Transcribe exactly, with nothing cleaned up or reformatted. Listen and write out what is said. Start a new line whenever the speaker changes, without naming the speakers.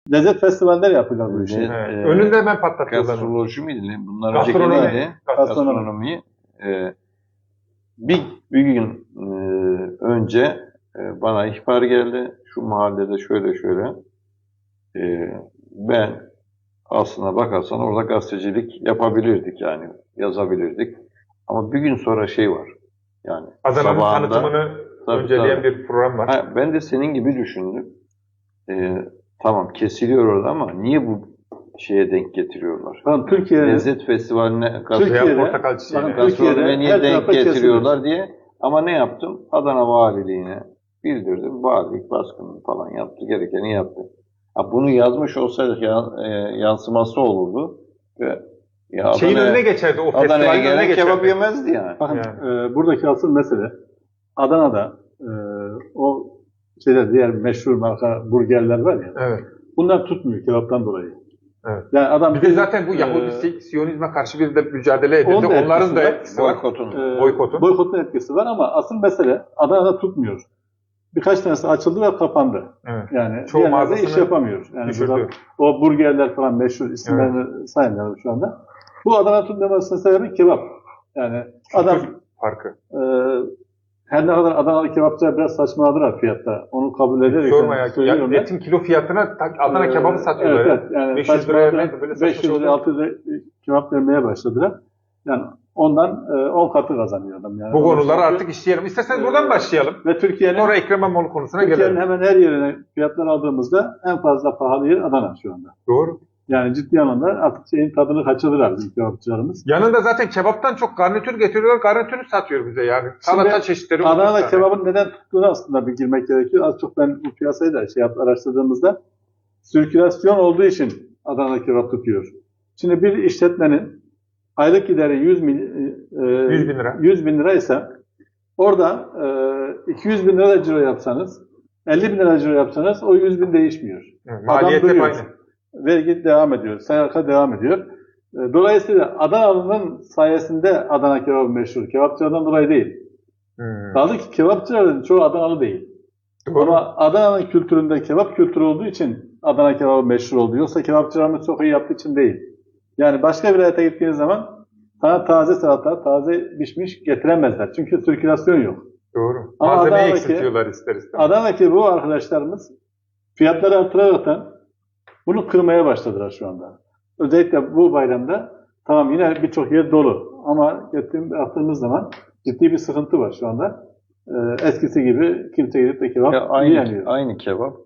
lezzet festivaller yapıyorlar bu işi.
Evet.
E,
Önünde hemen patlatıyorlar.
Gastroloji miydi? ne? Bunlar
Gastronomi.
önceki neydi?
Gastronomi.
Gastronomi. E, bir, bir gün e, önce e, bana ihbar geldi. Şu mahallede şöyle şöyle. E, ben aslına bakarsan orada gazetecilik yapabilirdik yani. Yazabilirdik. Ama bir gün sonra şey var. Yani
Adana'nın
sabahında-
tanıtımını
Tabii,
önceleyen
tabii.
bir program var.
Ha, ben de senin gibi düşündüm. Ee, tamam kesiliyor orada ama niye bu şeye denk getiriyorlar?
Tamam, Türkiye'de
Lezzet festivaline
Türkiye'de-
Veya portakal çiçeğine.
Bakın,
gastronomiye
Türkiye'de
niye
her
denk
tarafa
getiriyorlar diye. Ama ne yaptım? Adana Valiliğine bildirdim. Valilik baskını falan yaptı. Gerekeni yaptı. Ha, bunu yazmış olsaydık ya, e, yansıması olurdu. Ve ya
Şeyin
Adana-
önüne geçerdi. O
Adana'ya
festivalin önüne
gelen kebap
geçerdi.
yemezdi yani.
Bakın
Yani.
e, buradaki asıl mesele Adana'da e, o şeyler diğer meşhur marka burgerler var ya.
Evet.
Bunlar tutmuyor kebaptan dolayı.
Evet.
Yani adam
Bir de zaten bu
e,
Yahudi Siyonizme karşı bir de mücadele
Onun
edildi.
da
Onların da
etkisi var.
etkisi var.
Boykotun.
e,
boykotun.
boykotun etkisi var ama asıl mesele Adana'da tutmuyor. Birkaç tanesi açıldı ve kapandı.
Evet.
Yani
Çoğu
diğerleri de
mağazasını
iş yapamıyor. Yani
düşürdü.
burada o burgerler falan meşhur isimlerini saymıyorum şu anda. Bu Adana tutmamasının sebebi kebap. Yani adam
Farkı.
e, her ne kadar Adanalı kebapçılar biraz saçmaladılar fiyatta. Onu kabul ederek
Sorma ya.
yani söylüyorum
ya
ben.
etin kilo fiyatına tak- Adana
Ee,
kebabı satıyorlar.
Evet,
ya.
evet. Yani
beş yüz liraya
saçmaladılar.
böyle saçma
beş yüz
şey
liraya
olur.
altı yüz liraya kebap vermeye başladılar. Yani ondan e, on katı kazanıyor adam. Yani
Bu konuları
Çünkü-
artık işleyelim. İsterseniz buradan
Ee,
başlayalım.
Ve Türkiye'nin
Sonra Ekrem İmamoğlu konusuna
Türkiye'nin
gelelim.
hemen her yerine fiyatlar aldığımızda en fazla pahalı yer Adana şu anda.
Doğru.
Yani ciddi anlamda artık şeyin tadını kaçırdılar bizim kebapçılarımız.
Yanında zaten kebaptan çok garnitür getiriyorlar. Garnitürü satıyor bize yani. Salata
Şimdi
çeşitleri.
Adana'da
otuz tane.
kebabın neden tuttuğunu aslında bir girmek gerekiyor. Az çok ben bu piyasayı da şey yaptım, araştırdığımızda sirkülasyon olduğu için Adana'da kebap tutuyor. Şimdi bir işletmenin aylık gideri yüz bin, e,
yüz bin lira.
yüz bin lira ise orada e, iki yüz bin lira ciro yapsanız, elli bin lira ciro yapsanız o yüz bin değişmiyor.
Evet, maliyet
Adam
hep
duruyor.
aynı.
Vergi devam ediyor, S G K devam ediyor. E, Dolayısıyla Adanalı'nın sayesinde Adana kebabı meşhur. Kebapçılardan dolayı değil.
Hmm.
Kaldı ki kebapçıların çoğu Adanalı değil.
Doğru.
Ama Adana'nın kültüründe kebap kültürü olduğu için Adana kebabı meşhur oldu. Yoksa kebapçılarımız çok iyi yaptığı için değil. Yani başka bir vilayete gittiğiniz zaman sana taze salata, taze pişmiş getiremezler. Çünkü sirkülasyon yok.
Doğru.
Ama
Malzemeyi
Adana'daki-
eksiltiyorlar ister istemez.
Adana'daki bu arkadaşlarımız fiyatları artıraraktan bunu kırmaya başladılar şu anda. Özellikle bu bayramda tamam yine birçok yer dolu ama gittiğim, baktığımız zaman ciddi bir sıkıntı var şu anda. Ee, eskisi gibi kimse gidip de kebap
Ya aynı,
yiyemiyor.
aynı kebap